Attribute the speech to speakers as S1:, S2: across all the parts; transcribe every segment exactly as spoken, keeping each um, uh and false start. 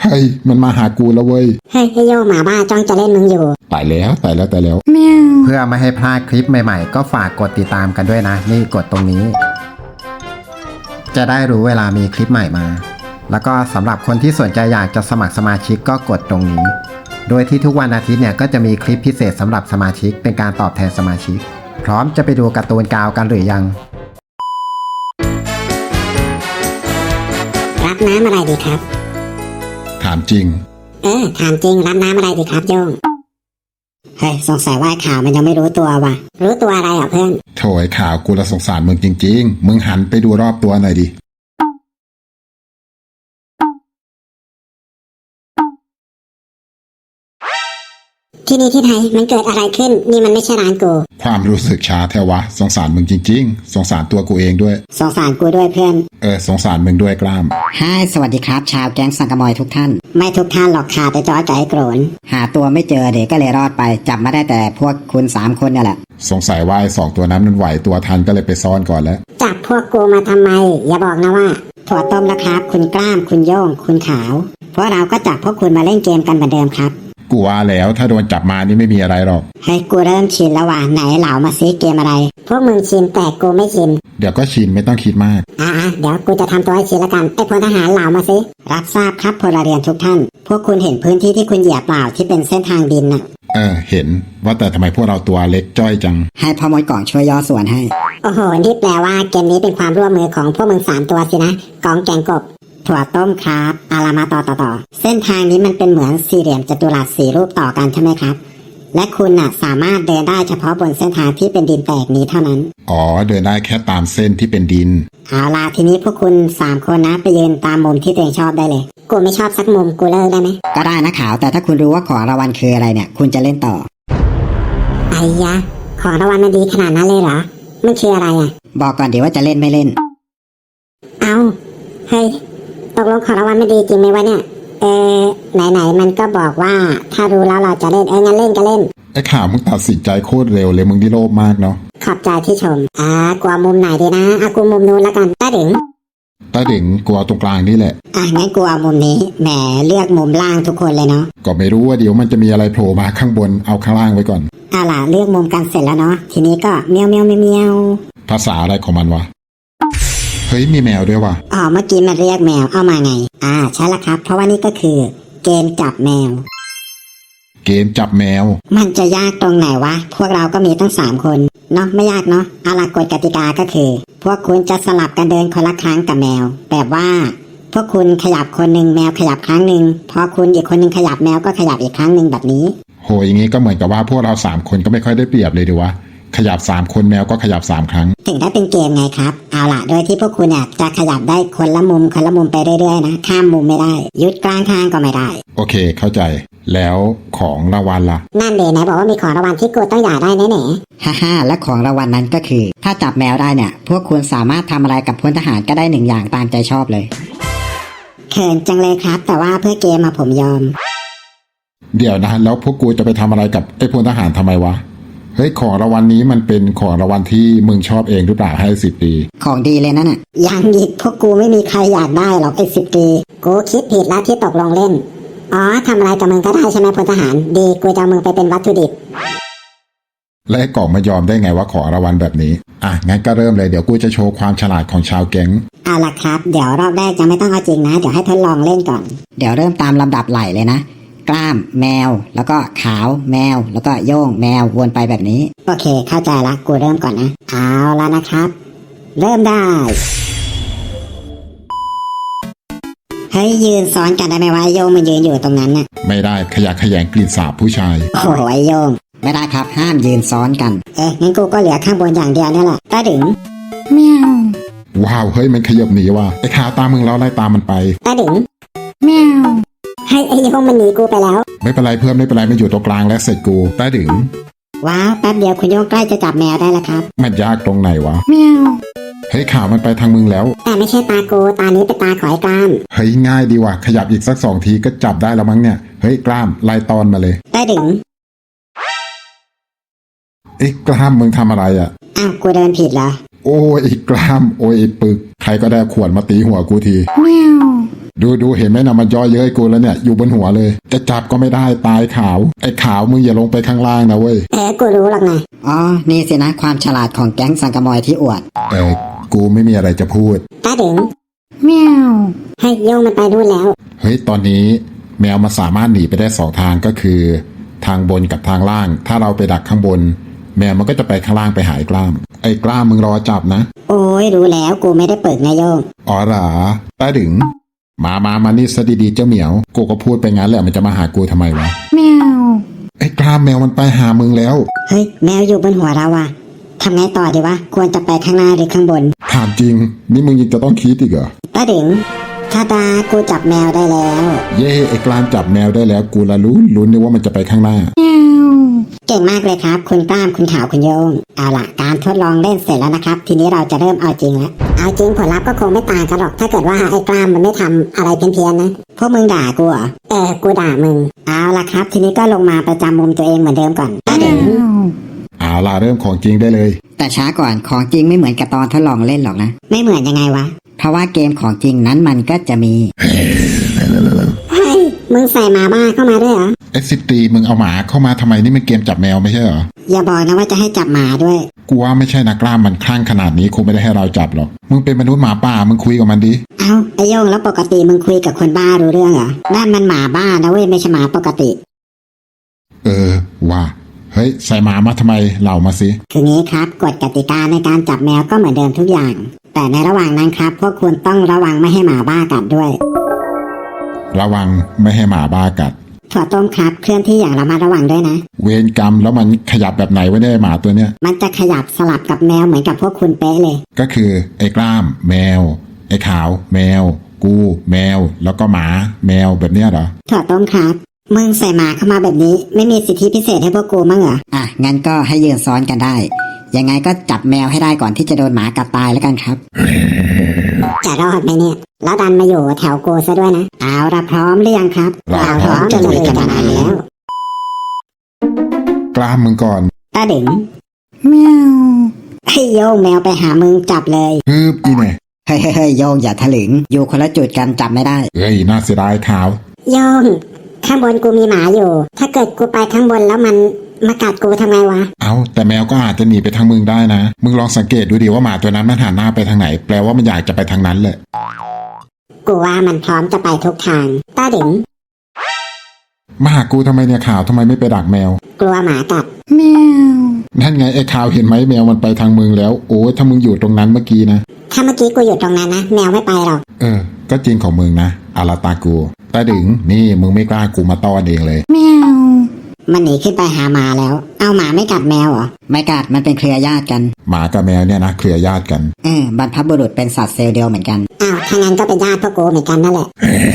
S1: ฮ้ยมันมาหากูแล้วเว้ย
S2: เฮ้ยไอโยหมาบ้าจ้องจะเล่นมึงอยู่
S1: ตายแล้วตายแล้วตายแล้ว
S3: เพื่อไม่ให้พลาดคลิปใหม่ๆก็ฝากกดติดตามกันด้วยนะนี่กดตรงนี้จะได้รู้เวลามีคลิปใหม่มาแล้วก็สำหรับคนที่สนใจอยากจะสมัครสมาชิกก็กดตรงนี้โดยที่ทุกวันอาทิตย์เนี่ยก็จะมีคลิปพิเศษสำหรับสมาชิกเป็นการตอบแทนสมาชิกพร้อมจะไปดูการ์ตูนกาวกันหรือยัง
S2: รับน้ำอะไรดีครับ
S1: ถามจริง
S2: เออถามจริงรับน้ำอะไรดีครับโยงเฮ้ยสงสัยว่าข่าวมันยังไม่รู้ตัวว่ะรู้ตัวอะไรอ่ะเพื่อน
S1: โถยข่าวกูละสงสารมึงจริงๆมึงหันไปดูรอบตัวหน่อยดิ
S2: ที่นี่ที่ไหนมันเกิดอะไรขึ้นนี่มันไม่ใช่ร้านกู
S1: ความรู้สึกช้าแท้วะสงสารมึงจริงๆสงสารตัวกูเองด้วย
S2: สงสารกูด้วยเพื่อน
S1: เออสงสารมึงด้วยกล้าม
S4: ฮ่สวัสดีครับชาวแก๊งสังกะมอยทุกท่าน
S2: ไม่ทุกท่านหรอกค่ะแต่จอใจโกรน
S4: หาตัวไม่เจอเด็กก็เลยรอดไปจับมาได้แต่พวกคุณสามคนนี่แหละ
S1: สงสัยว่าไอ้สองตัวนั้นมันไหวตัวทันก็เลยไปซ่อนก่อนแล้ว
S2: จับพวกกูมาทำไมอย่าบอกนะว่าถั่วต้มแล้วครับคุณกล้ามคุณโย่งคุณขาวเพราะเราก็จับพวกคุณมาเล่นเกมกันเหมือนเดิมครับ
S1: กูว่าแล้วถ้าโดนจับมานี่ไม่มีอะไรหรอก
S2: ให้กูเริ่มชินแล้วว่ะไหนเหล่ามาซิเกมอะไรพวกมึงชินแต่กูไม่ชิน
S1: เดี๋ยวก็ชินไม่ต้องคิดมาก
S2: อ่าเดี๋ยวกูจะทำตัวให้ชินละกันไอ้พลทหารเหล่ามาซิรับทราบครับพลเรือนทุกท่านพวกคุณเห็นพื้นที่ที่คุณเหยียบเปล่าที่เป็นเส้นทางดินน่ะ
S1: เออเห็นว่าแต่ทำไมพวกเราตัวเล็กจ้อยจัง
S4: ให้พ่อมดกล่องช่วยย่อส่วนให้
S2: โอ้โหนี่แปลว่าเกมนี้เป็นความร่วมมือของพวกมึงสามตัวสินะกองแกงกบถั่วต้มครับอารามาต่อต่อต่อเส้นทางนี้มันเป็นเหมือนสี่เหลี่ยมจัตุรัสสี่รูปต่อกันใช่ไหมครับและคุณน่ะสามารถเดินได้เฉพาะบนเส้นทางที่เป็นดินแตกนี้เท่านั้น
S1: อ๋อเดินได้แค่ตามเส้นที่เป็นดิน
S2: เอาล่ะทีนี้พวกคุณสามคนนะไปยืนตามมุมที่ตัวเองชอบได้เลยกูไม่ชอบสักมุมกูเลิกได้ไหม
S4: ก็ได้นะขาวแต่ถ้าคุณรู้ว่าของรางวัลคืออะไรเนี่ยคุณจะเล่นต่อ
S2: ไอ้ยะของรางวัลมันดีขนาดนั้นเลยเหรอมันคืออะไรอ่ะ
S4: บอกก่อนเดี๋ยวว่าจะเล่นไม่เล่น
S2: เอาเฮ้ยตกลงของรางวัลไม่ดีจริงไหมวะเนี่ยเออไหนๆมันก็บอกว่าถ้ารู้แล้วเราจะเล่นเอองั้นเล่นก็เล่น
S1: ไอ้ข่าวมึงตัดสินใจโคตรเร็วเลยมึงที่โลภมากเนาะ
S2: ขอบใจที่ชมอ่ากลัวมุมไหนดีนะอ่ะกูมุมนู้นแล้วกันตาดึง
S1: ตาดึงกลัวตรงกลางนี่แหละ
S2: อ่ะงั้นกูเอามุมนี้แหมเลือกมุมล่างทุกคนเลยเนาะ
S1: ก็ไม่รู้ว่าเดี๋ยวมันจะมีอะไรโผล่มาข้างบนเอาข้างล่างไว้ก่อน
S2: อ่ะล่ะเลือกมุมกันเสร็จแล้วเนาะทีนี้ก็เมียวเมียวเมียว
S1: ภาษาอะไรของมันวะเฮ้ยมีแมวด้วยว่ะ
S2: อ๋อเมื่อกี้มันเรียกแมวเอามาไงอ่าใช่ละครับเพราะว่านี่ก็คือเกมจับแมว
S1: เกมจับแมว
S2: มันจะยากตรงไหนวะพวกเราก็มีตั้งสามคนเนาะไม่ยากเนาะเอาล่ะกฎกติกาก็คือพวกคุณจะสลับกันเดินคนละครั้งกับแมวแบบว่าพวกคุณขยับคนหนึ่งแมวขยับครั้งหนึ่งพอคุณอีกคนหนึ่งขยับแมวก็ขยับอีกครั้งหนึ่งแบบนี้
S1: โหอย่างงี้ก็เหมือนกับว่าพวกเราสามคนก็ไม่ค่อยได้เปรียบเลยดีวะขยับสามคนแมวก็ขยับสามครั้ง
S2: ถึงได้เป็นเกมไงครับเอาล่ะโดยที่พวกคุณเนี่ยจะขยับได้คนละมุมคนละมุมไปเรื่อยๆนะข้ามมุมไม่ได้ยุดกลางทางก็ไม่ได้
S1: โอเคเข้าใจแล้วของรางวัลล่ะ
S2: นั่นเดไหนบอกว่ามีของรางวัลที่กูต้องอยากได้แน่ๆ
S4: ฮ่าฮ่าและของรางวัลนั้นก็คือถ้าจับแมวได้เนี่ยพวกคุณสามารถทำอะไรกับพลทหารก็ได้หนึ่งอย่างตามใจชอบเลย
S2: เขินจังเลยครับแต่ว่าเพื่อเกมมาผมยอม
S1: เดี๋ยวนะแล้วพวกกูจะไปทำอะไรกับไอ้พลทหารทำไมวะเฮ้ยของรางวัลนี้มันเป็นของรางวัลที่มึงชอบเองหรือเปล่าให้สิบปี
S4: ของดีเลยนั่นน่ะ
S2: ยังอีกพวกกูไม่มีใครอยากได้หรอกไอ้สิบปีกูคิดผิดแล้วที่ตกลงเล่นอ๋อทำอะไรกับมึงก็ได้ใช่ไหมพลทหารดีกูจะเอามึงไปเป็นวัตถุดิบ
S1: และกล่องมายอมได้ไงว่าของรางวัลแบบนี้อ่ะงั้นก็เริ่มเลยเดี๋ยวกูจะโชว์ความฉลาดของชาวแก๊ง
S2: เอาล่ะครับเดี๋ยวรอบแรกยังไม่ต้องเอาจริงนะเดี๋ยวให้ทดลองเล่นก่อน
S4: เดี๋ยวเริ่มตามลำดับไหลเลยนะกล้ามแมวแล้วก็ขาวแมวแล้วก็โย่งแมววนไปแบบนี้
S2: โอเคเข้าใจละกูเริ่มก่อนนะเอาละนะครับเริ่มได้เฮ้ยยืนซ้อนกันได้ไหมวะโย่งมันยืนอยู่ตรงนั้นน่ะ
S1: ไม่ได้ขยะแขยงกลิ่นสาบผู้ชาย
S2: โอ้ยโย่ง
S4: ไม่ได้ครับห้ามยืนซ้อนกัน
S2: เอ๊ะงั้นกูก็เหลือข้างบนอย่างเดียวนี่แหละตาดึง
S4: แมว
S1: ว้าวเฮ้ยมันขยับหนีว่ะไอ้ขาตามมึงแล้วไล่ตามมันไป
S2: ตาดึง
S4: แมว
S2: ให้ไอ้โย่งมันหนีกูไปแล้ว
S1: ไม่เป็นไรเพื่อนไม่เป็นไรมันอยู่ตรงกลางและเสร็จกูตาดึง
S2: ว้าวแป๊บเดียวคุณโย่งใกล้จะจับแมวได้แล้วครับ
S1: มันยากตรงไหนวะ
S4: แมว
S1: เฮ้ยข่าวมันไปทางมึงแล้ว
S2: แต่ไม่ใช่ตาโกตานี้เป็นตาขอยกล้าม
S1: เฮ้ยง่ายดีว่ะขยับอีกสักสองทีก็จับได้แล้วมั้งเนี่ยเฮ้ยกล้ามไล่ตอนมาเลย
S2: ได้ดึง
S1: ไอ้กล้ามมึงทำอะไรอ่ะ
S2: อ้าวกูเดินผิดเหรอ
S1: โอ้ยไอ้กล้ามโอ้ยไอ้ปึกใครก็ได้ขวดมาตีหัวกูทีดูดูเห็นไหมนะมันย่อเย้ยกูแล้วเนี่ยอยู่บนหัวเลย จะจับก็ไม่ได้ตายขาวไอ้ขาวมึงอย่าลงไปข้างล่างนะเว้ย
S2: เออกูรู้หรอกนะ
S4: อ๋อ นี่สินะความฉลาดของแก๊งสังกะมอยที่อวด
S1: เออกูไม่มีอะไรจะพูด
S2: ตาดึง
S4: เมียว
S2: ให้โยงมันไปนู่นแล้ว
S1: เฮ้ยตอนนี้แมวมันสามารถหนีไปได้สองทางก็คือ ทางบนกับทางล่าง ถ้าเราไปดักข้างบน แมวมันก็จะไปข้างล่างไปหาไอ้กล้ามไอ้กล้ามมึงรอจับนะ
S2: โอ้ยรู้แล้วกูไม่ได้เปิดนายโยง
S1: อ๋อเหรอตาดึงมามามานี่ซะดีๆเจ้าเหมียวกูก็พูดไปงั้นแหละมันจะมาหากูทำไมวะ
S4: เมียว
S1: ไอ้กล้ามแมวมันไปหามึงแล้ว
S2: เฮ้ยแมวอยู่บนหัวเราอะทำไงต่อดีวะควรจะไปข้างหน้าหรือข้างบน
S1: ถามจริง นี่มึงยังจะต้องคิดอีกเหรอ
S2: ตาดึงชาดากูจับแมวได้แล้ว
S1: เย่ไอ้กล้ามจับแมวได้แล้วกูละรู้ลุ้นนึกว่ามันจะไปข้างหน้า
S2: เก่งมากเลยครับ คุณกล้ามคุณขาวคุณโยงเอาล่ะการทดลองเล่นเสร็จแล้วนะครับ ทีนี้เราจะเริ่มเอาจริงแล้วเอาจริงผลลัพธ์ก็คงไม่ต่างกันหรอก ถ้าเกิดว่าไอ้กล้ามมันไม่ทำอะไรเพี้ยนๆนะพวกมึงด่ากูเหรอเออกูด่ามึงเอาล่ะครับ ทีนี้ก็ลงมาประจำมุมตัวเองเหมือนเดิมก่อนตาดึง
S1: เอาล่ะเริ่มของจริงได้เลย
S4: แต่ช้าก่อนของจริงไม่เหมือนกับตอนทดลองเล่นหรอกนะ
S2: ไม่เหมือนยังไงวะ
S4: เพราะว่าเกมของจริงนั้นมันก็จะมี
S2: เฮ้ยมึงใส่หมาบ้าเข้ามาด้วยเหรอ
S1: เอสซิตีมึงเอาหมาเข้ามาทำไมนี่มันเกมจับแมวไม่ใช่เหรอ
S2: อย่าบอกนะว่าจะให้จับหมาด้วย
S1: กูว่าไม่ใช่นะกล้ามมันคลั่งขนาดนี้คงไม่ได้ให้เราจับหรอกมึงเป็นมนุษย์หมาป่ามึงคุยกับมันดิ
S2: เอาไอโยงแล้วปกติมึงคุยกับคนบ้ารู้เรื่องเหรอนั่นมันหมาบ้านะเว้ยไม่ใช่หมาปกติ
S1: เออว่าเฮ้ยใส่หมามาทำไมเล่ามาสิ
S2: คืองี้ครับกฎกติกาในการจับแมวก็เหมือนเดิมทุกอย่าง แต่ในระหว่างนั้นครับพวกคุณต้องระวังไม่ให้หมาบ้ากัดด้วย
S1: ระวังไม่ให้หมาบ้ากัด
S2: ถั่วต้มครับเคลื่อนที่อย่างระมัดระวังด้วยนะ
S1: เวรกรรมแล้วมันขยับแบบไหนวะเนี่ยหมาตัวเนี้ย
S2: มันจะขยับสลับกับแมวเหมือนกับพวกคุณเป๊ะเลย
S1: ก็คือไอ้กล้าม แมว ไอ้ขาว แมว กู แมว แล้วก็หมาแมวแบบเนี้ยเหรอ
S2: ถั่วต้มครับมึงใส่หมาเข้ามาแบบนี้ไม่มีสิทธิพิเศษให้พวกกูมั้งเหรอ
S4: อ่ะ งั้นก็ให้ยืนซ้อนกันได้ ยังไงก็จับแมวให้ได้ก่อนที่จะโดนหมากัดตายแล้วกันครับ
S2: จะรอดไหมเนี่ย แล้วดันมาอยู่แถวกูซะด้วยนะเอาละพร้อมหรือยังครับ
S1: เรา
S2: พร้อมจะลุยกันนานแล้ว
S1: กล้ามมึงก่อน
S2: ตาดึง
S4: เมียว
S2: ให้โยงแมวไปหามึงจับเลย
S1: ฮึบอีเนี่ย
S4: เฮ้ยเฮ้ยเฮ้ยโยงอย่าถลึง อยู่คนละจุดกันจับไม่ได้
S1: เอ้ยน่าเสียดายขาว
S2: โยงข้างบนกูมีหมาอยู่ ถ้าเกิดกูไปข้างบนแล้วมันมากัดกูทำไงวะ
S1: เอาแต่แมวก็อาจจะหนีไปทางมึงได้นะ มึงลองสังเกตดูดิว่าหมาตัวนั้นมันหันหน้าไปทางไหน แปลว่ามันอยากจะไปทางนั้นแหละ
S2: กูว่ามันพร้อมจะไปทุกทางตาดึง
S1: มาหากูทำไมเนี่ยขาวทำไมไม่ไปดักแมว
S2: กลัวหมากัด
S4: เมียว
S1: นั่นไงไอ้ขาวเห็นไหมแมวมันไปทางมึงแล้ว โอ้ยถ้ามึงอยู่ตรงนั้นเมื่อกี้นะ
S2: ถ้าเมื่อกี้กูอยู่ตรงนั้นนะแมวไม่ไปหรอก
S1: เออ ก็จริงของมึงนะอาราตากูตาดึงนี่มึงไม่กล้ากูมาต้อนเองเลย
S4: เมียว
S2: มันหนีขึ้นไปหาหมาแล้ว เอาหมาไม่กัดแมวเหรอ
S4: ไม่กัดมันเป็นเครือญาติกัน
S1: หมากับแมวเนี่ยนะเครือญาติกัน
S4: เออบรรพบุรุษเป็นสัตว์เซลล์เดียวเหมือนกัน
S2: อ้าวถ้างั้นก็เป็นญาติพวกกูเหมือนกันนั่นแหละ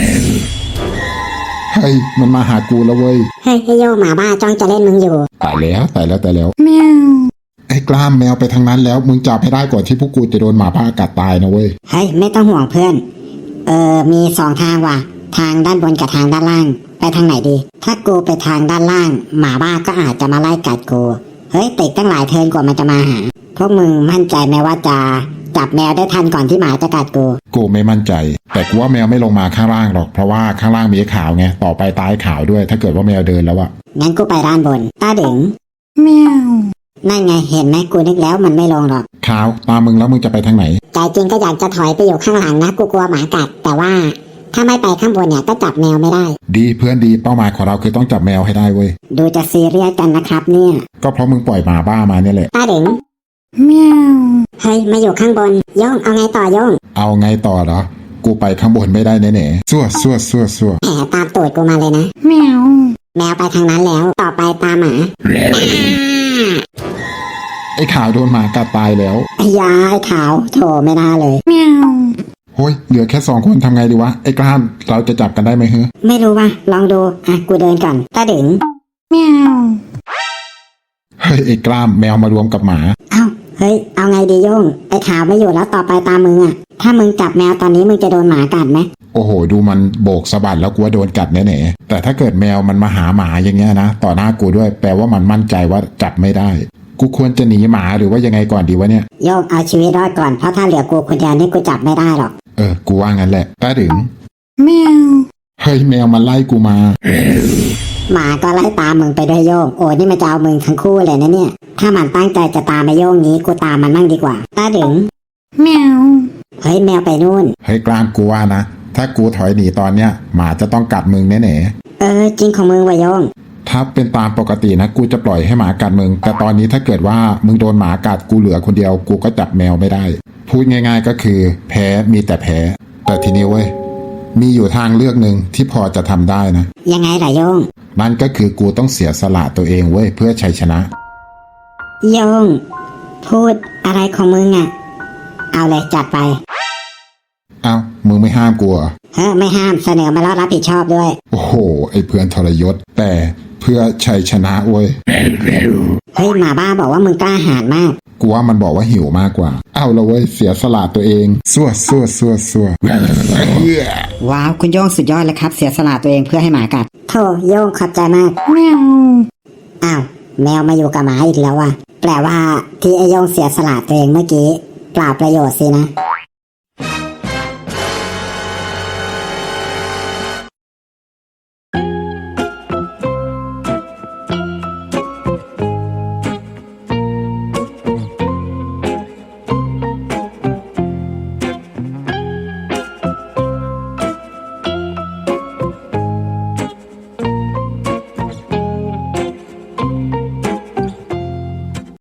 S1: เฮ้ยมันมาหากูแล้วเว้ย
S2: เฮ้ยไอ้โยงหมาบ้าจ้องจะเล่นมึงอยู่
S1: ตายแล้วตายแล้วตายแล้ว
S4: เมียว
S1: ไอ้กล้ามแมวไปทางนั้นแล้วมึงจับให้ได้ก่อนที่พวกกูจะโดนหมาบ้ากัดตายนะเว้ย
S2: เฮ้ยไม่ต้องห่วงเพื่อน เออมีสองทางว่ะ ทางด้านบนกับทางด้านล่าง ไปทางไหนดี ถ้ากูไปทางด้านล่าง หมาบ้าก็อาจจะมาไล่กัดกู เฮ้ยติดตั้งหลายเทิร์นกว่ามันจะมาหา พวกมึงมั่นใจไหมว่าจะจับแมวได้ทันก่อนที่หมาจะกัดกู
S1: กูไม่มั่นใจ แต่กูว่าแมวไม่ลงมาข้างล่างหรอกเพราะว่าข้างล่างมีไอ้ขาวไงต่อไปตายขาวด้วย ถ้าเกิดว่าแมวเดินแล้วอะ
S2: งั้นกูไปด้านบนตาดึง
S4: เมียว
S2: นั่นไงเห็นไหมกูนึกแล้วมันไม่ลงหรอก
S1: ขาวตามมึงแล้วมึงจะไปทางไหน
S2: ใจจริงก็อยากจะถอยไปอยู่ข้างหลังนะกูกลัวหมากัด แต่ว่าถ้าไม่ไปข้างบนเนี่ยก็จับแมวไม่ได้
S1: ดีเพื่อนดีเป้าหมายของเราคือต้องจับแมวให้ได้เว้ย
S2: ดูจะซีเรียสกันนะครับเนี่ย
S1: ก็เพราะมึงปล่อยหมาบ้ามาเนี่ยแหละ
S2: ตาดึง
S4: เมียว
S2: เฮ้ยมาอยู่ข้างบนโย่งเอาไงต่อโย่ง
S1: เอาไงต่อเหรอกูไปข้างบนไม่ได้แน่ๆซั่วซั่วซั่วซั่ว
S2: แผลตามตูดกูมาเลยนะ
S4: เมียว
S2: แมวไปทางนั้นแล้วต่อไปตามหมา
S1: ไอ้ขาวโดนหมากัดตายแล้ว
S2: ไอ้ยาไอ้ขาวโถไม่น่าเลย
S4: เมียว
S1: โฮ้ยเหลือแค่สองคนทำไงดีวะไอ้กล้ามเราจะจับกันได้ไหมเฮ้ย
S2: ไม่รู้ว่าลองดูอ่ะกูเดินก่อนตาดึง
S4: เมียว
S1: เฮ้ยไอ้กล้ามแมวมารวมกับหมา
S2: เอ้าเฮ้ยเอาไงดีโย่งไอ้ขาวไม่อยู่แล้วต่อไปตามมึงอ่ะถ้ามึงจับแมวตอนนี้มึงจะโดนหมากัดไหม
S1: โอ้โหดูมันโบกสะบัดแล้วกูว่าโดนกัดแน่ๆแต่ถ้าเกิดแมวมันมาหาหมาอย่างเงี้ยนะต่อหน้ากูด้วยแปลว่ามันมั่นใจว่าจับไม่ได้กูควรจะหนีหมาหรือว่ายังไงก่อนดีวะเนี่ย
S2: โย่งเอาชีวิตรอดก่อนเพราะถ้าเหลือกูคนเดียวนี่กูจับไม่ได้หรอก
S1: เออกูว่างั้นแหละตาดึง
S4: แมว
S1: เฮ้ยแมวมันไล่กูมา
S2: หมาก็ไล่ตามมึงไปด้วยโยงโอ้นี่มันจะเอามึงทั้งคู่เลยนะเนี่ย ถ้ามันตั้งใจจะตามไปโยงนี้กูตามมันมั่งดีกว่าตาดึง
S4: แมว
S2: เฮ้ยแมวไปนู่น
S1: เฮ้ยกล้ามกูว่านะ ถ้ากูถอยหนีตอนเนี้ยหมาจะต้องกัดมึงแน่
S2: เออจริงของมึงวะโยง
S1: ๆถ้าเป็นตามปกตินะกูจะปล่อยให้หมากัดมึง แต่ตอนนี้ถ้าเกิดว่ามึงโดนหมากัดกูเหลือคนเดียวกูก็จับแมวไม่ได้ พูดง่ายๆก็คือ แพ้มีแต่แพ้ แต่ทีนี้เว้ยมีอยู่ทางเลือกหนึ่งที่พอจะทำได้นะ
S2: ยังไงล่ะโยง
S1: นั่นก็คือกูต้องเสียสละตัวเองเว้ยเพื่อชัยชนะ
S2: โยง พูดอะไรของมึงอ่ะ เอาเลยจัดไป
S1: เอ้ามึงไม่ห้ามกูเหรอ
S2: เฮ้ยไม่ห้ามเสนอมาแล้วรับผิดชอบด้วย
S1: โอ้โหไอ้เพื่อนทรยศ แต่เพื่อชัยชนะเว้ย
S2: เฮ้ยหมาบ้าบอกว่ามึงกล้าหาญมาก
S1: กูว่ามันบอกว่าหิวมากกว่า เอาละเว้ยเสียสละตัวเองสั่วสั่วสั่วสั่ว
S4: ว้าวคุณโย่งสุดยอดเลยครับ เสียสละตัวเองเพื่อให้หมากัด
S2: โธ่โยงขอบใจมาก
S4: แมว
S2: อ้าวแมวมาอยู่กับหมาอีกแล้วว่ะแปลว่าที่ไอโยงเสียสละตัวเองเมื่อกี้เปล่าประโยชน์สินะ